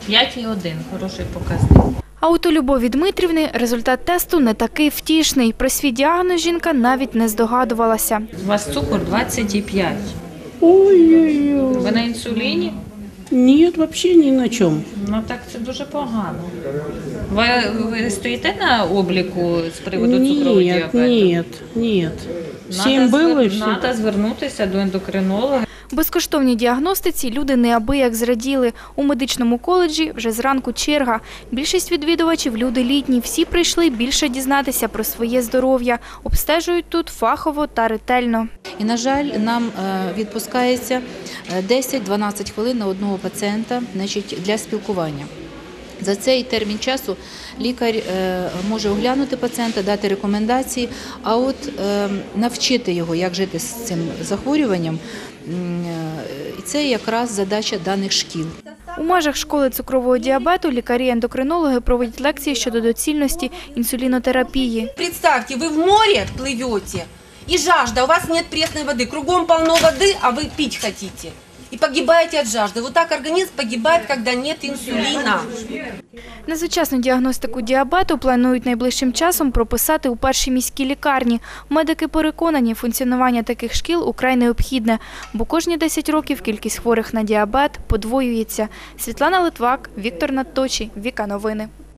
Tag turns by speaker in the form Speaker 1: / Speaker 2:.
Speaker 1: 5,1 – хороший показник.
Speaker 2: А от у Любові Дмитрівни результат тесту не такий втішний. Про свій діагноз жінка навіть не здогадувалася.
Speaker 1: У вас цукор 25.
Speaker 3: Ой-ой-ой.
Speaker 1: Ви на інсуліні?
Speaker 3: Ні, взагалі ні на чому.
Speaker 1: Ну так це дуже погано. Ви стоїте на обліку з приводу цукрового діабету?
Speaker 3: Ні. Всім було і все.
Speaker 1: Треба звернутися до ендокринолога.
Speaker 2: Безкоштовній діагностиці люди неабияк зраділи. У медичному коледжі вже зранку черга. Більшість відвідувачів – люди літні. Всі прийшли більше дізнатися про своє здоров'я. Обстежують тут фахово та ретельно.
Speaker 4: І, на жаль, нам відпускається 10-12 хвилин на одного пацієнта для спілкування. За цей термін часу лікар може оглянути пацієнта, дати рекомендації, а от навчити його, як жити з цим захворюванням, це якраз задача даних шкіл.
Speaker 2: У межах школи цукрового діабету лікарі-ендокринологи проводять лекції щодо доцільності інсулінотерапії.
Speaker 5: Представьте, вы в море плывете, и жажда, у вас нет пресной воды, кругом полно воды, а вы пить хотите. И погибаете от жажды. Вот так организм погибает, когда нет инсулина.
Speaker 2: На сучасну діагностику діабету планують найближчим часом прописати у першій міській лікарні. Медики переконані, функціонування таких шкіл украй необхідне, бо кожні 10 років кількість хворих на діабет подвоюється. Світлана Литвак, Віктор Надточій, Віка Новини.